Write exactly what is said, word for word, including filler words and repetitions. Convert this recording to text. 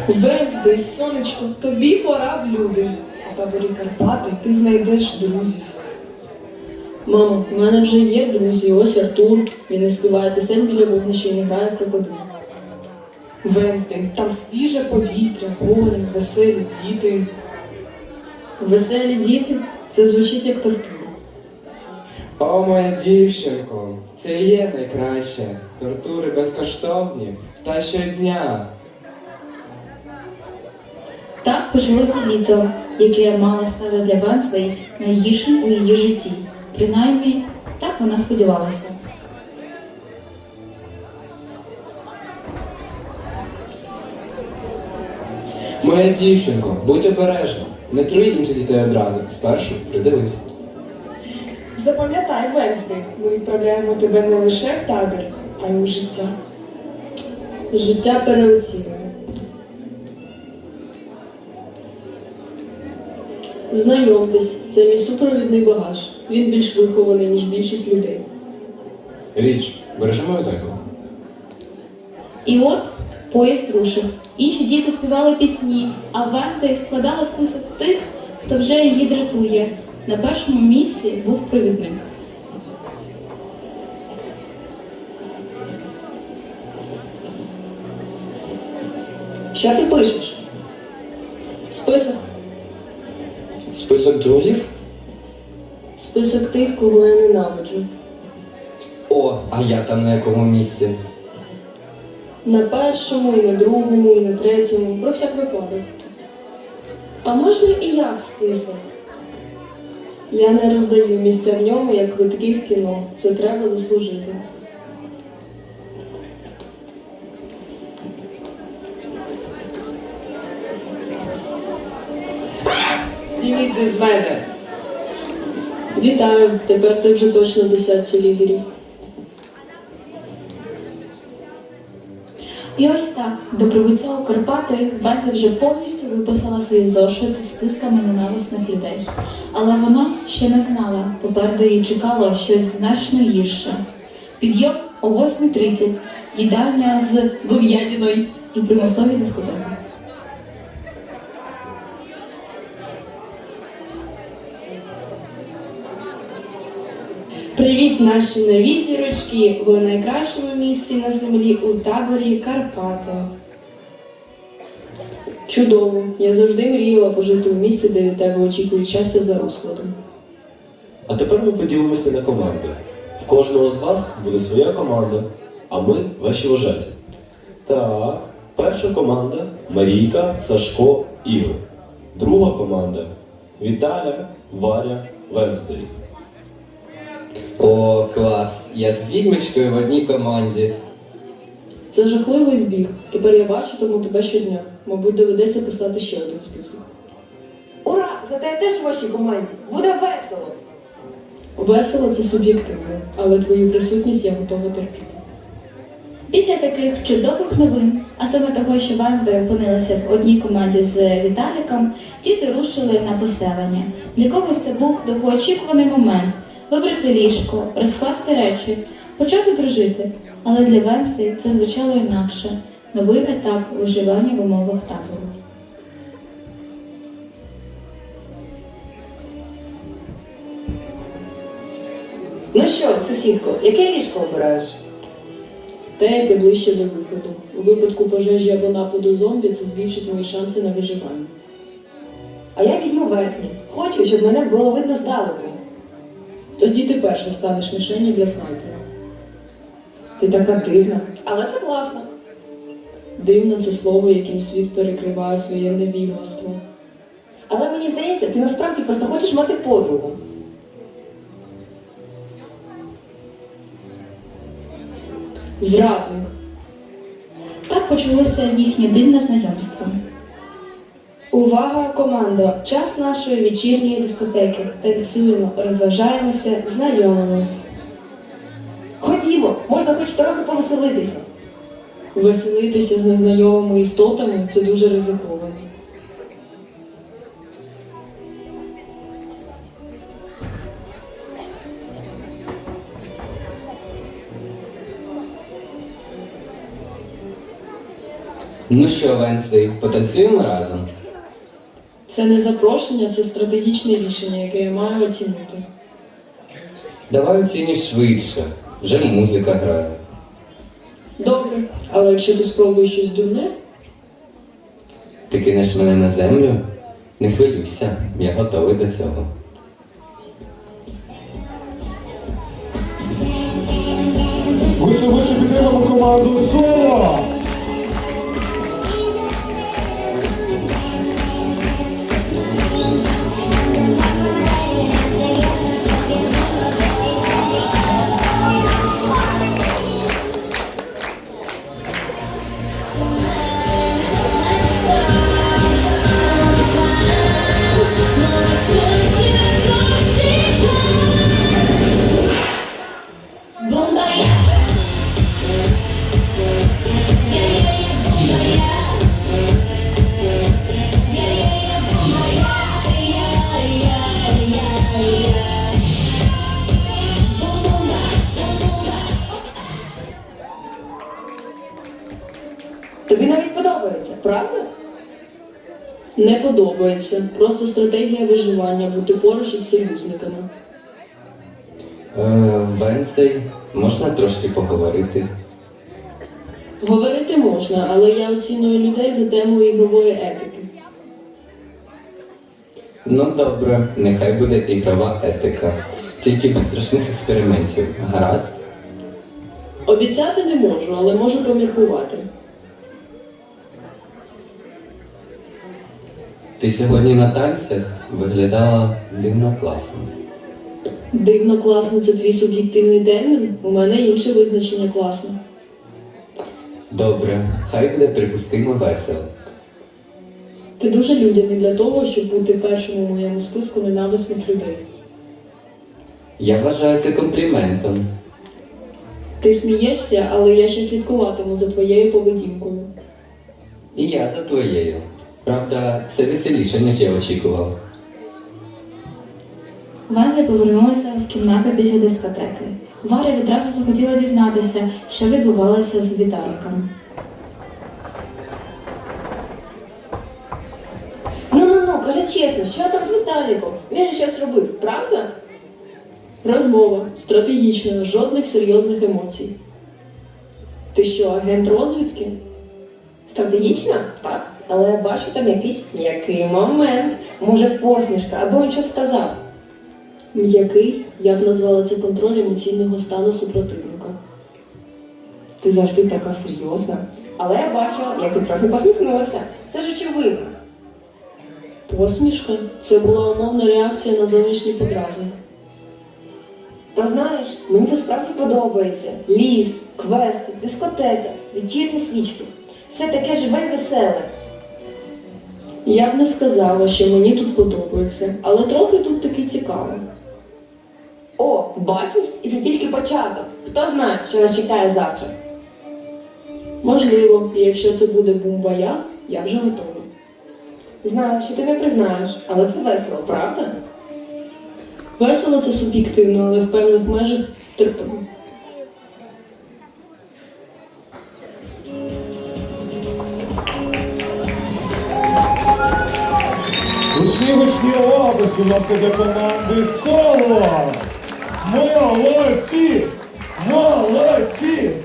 Венздей, сонечко, тобі пора в люди. У таборі Карпати ти знайдеш друзів. Мамо, в мене вже є друзі, ось Артур. Він не співає пісень біля вогнища і не грає крокодил. Венздей, там свіже повітря, гори, веселі діти. Веселі діти – це звучить як тортура. О, моя дівчинко, це і є найкраще. Тортури безкоштовні та щодня. Так почалося літо, яке мало стати для Венздей найгіршим у її житті. Принаймні, так вона сподівалася. Моя дівчинко, будь обережна. Не труй інших дітей одразу. Спершу придивись. Запам'ятай, Венздей, ми відправляємо тебе не лише в табір, а й у життя. Життя переоцінює. Знайомтесь, це мій супровідний багаж. Він більш вихований, ніж більшість людей. Річ, бережи мою доньку. І от поїзд рушив. Інші діти співали пісні, а Венздей складала список тих, хто вже її дратує. На першому місці був провідник. Що ти пишеш? Список. Список друзів? Список тих, кого я ненавиджу. О, а я там на якому місці? На першому, і на другому, і на третьому. Про всяк випадок. А можна і я в список? Я не роздаю місця в ньому, як квитки в кіно. Це треба заслужити. Зніміться з мене! Вітаю, тепер ти вже точно в десятці лідерів. І ось так, до прибуття у Карпати Венздей вже повністю виписала свої зошити з списками ненависних людей. Але вона ще не знала, попереду її чекало щось значно гірше. Підйом о восьмій тридцять, їдальня з говядиною і примусові дискотеки. Привіт, наші нові зірочки! Ви у найкращому місці на землі у таборі Карпати. Чудово. Я завжди мріяла пожити у місці, де від тебе очікують щастя за розкладом. А тепер ми поділимося на команди. В кожного з вас буде своя команда, а ми ваші вожаті. Так, перша команда Марійка, Сашко, Ігор. Друга команда Віталя, Варя, Венздей. О, клас! Я з відьмочкою в одній команді. Це жахливий збіг. Тепер я бачу тому тебе щодня. Мабуть, доведеться писати ще один список. Ура! Зате я теж в вашій команді. Буде весело! Весело це суб'єктивно, але твою присутність я готова терпіти. Після таких чудових новин, а саме того, що Венздей опинилася в одній команді з Віталіком, діти рушили на поселення. Для когось це був довгоочікуваний момент – вибрати ліжко, розкласти речі, почати дружити. Але для Венздей це звучало інакше – новий етап виживання в умовах табору. Ну що, сусідко, яке ліжко обираєш? Те, яке ближче до виходу. У випадку пожежі або нападу зомбі це збільшить мої шанси на виживання. А я візьму верхнє. Хочу, щоб мене було видно здалеку. Тоді ти перша станеш мішенью для снайпера. Ти така дивна. Але це класно. Дивно це слово, яким світ перекриває своє невігластво. Але мені здається, ти насправді просто хочеш мати подругу. Зрадник. Так почалося їхнє дивне знайомство. Увага, командо! Час нашої вечірньої дискотеки. Танцюємо, розважаємося, знайомимось. Ходімо, можна хоч трохи повеселитися. Веселитися з незнайомими істотами – це дуже ризиковано. Ну що, Венслей, потанцюємо разом? Це не запрошення, це стратегічне рішення, яке я маю оцінити. Давай оцінюй швидше. Вже музика грає. Добре, але якщо ти спробуєш щось дурне, Ти кинеш мене на землю? Не хвилюйся, я готовий до цього. Вище, вище підтримуємо команду Соло! Тобі навіть подобається, правда? не подобається. Просто стратегія виживання бути поруч із союзниками. Е, Венслей, можна трошки поговорити? Говорити можна, але я оціную людей за темою ігрової етики. Ну добре, нехай буде ігрова етика. Тільки без страшних експериментів. Гаразд? Обіцяти не можу, але можу поміркувати. Ти сьогодні на танцях виглядала дивно класно. Дивно класно, це твій суб'єктивний термін. У мене інше визначення класно. Добре, хай буде припустимо весело. Ти дуже людяний для того, щоб бути першим у моєму списку ненависних людей. Я вважаю це компліментом. Ти смієшся, але я ще слідкуватиму за твоєю поведінкою. І я за твоєю. Правда, це веселіше, ніж я очікував. Венза повернулася в кімнату після дискотеки. Варя відразу захотіла дізнатися, що відбувалося з Віталіком. Ну-ну-ну, кажи чесно, що там з Віталіком? Він же щось робив, правда? Розмова. Стратегічна, жодних серйозних емоцій. Ти що, агент розвідки? Стратегічно? Так. Але я бачу там якийсь м'який момент. Може, посмішка, або він щось сказав. М'який, я б назвала це контроль емоційного стану супротивника. Ти завжди така серйозна. Але я бачила, як ти трохи посміхнулася. Це ж очевидно. Посмішка – це була умовна реакція на зовнішній подразник. Та знаєш, мені це справді подобається. Ліс, квести, дискотека, вечірні свічки. Все таке живе і веселе. Я б не сказала, що мені тут подобається, але трохи тут таки цікаво. О, бачиш? І це тільки початок. Хто знає, що нас чекає завтра? Можливо, і якщо це буде бумбая, я вже готова. Знаю, що ти не признаєш, але це весело, правда? Весело це суб'єктивно, але в певних межах терпимо. Гучні, гучні оплески, будь ласка, для команди Соло! Молодці! Молодці!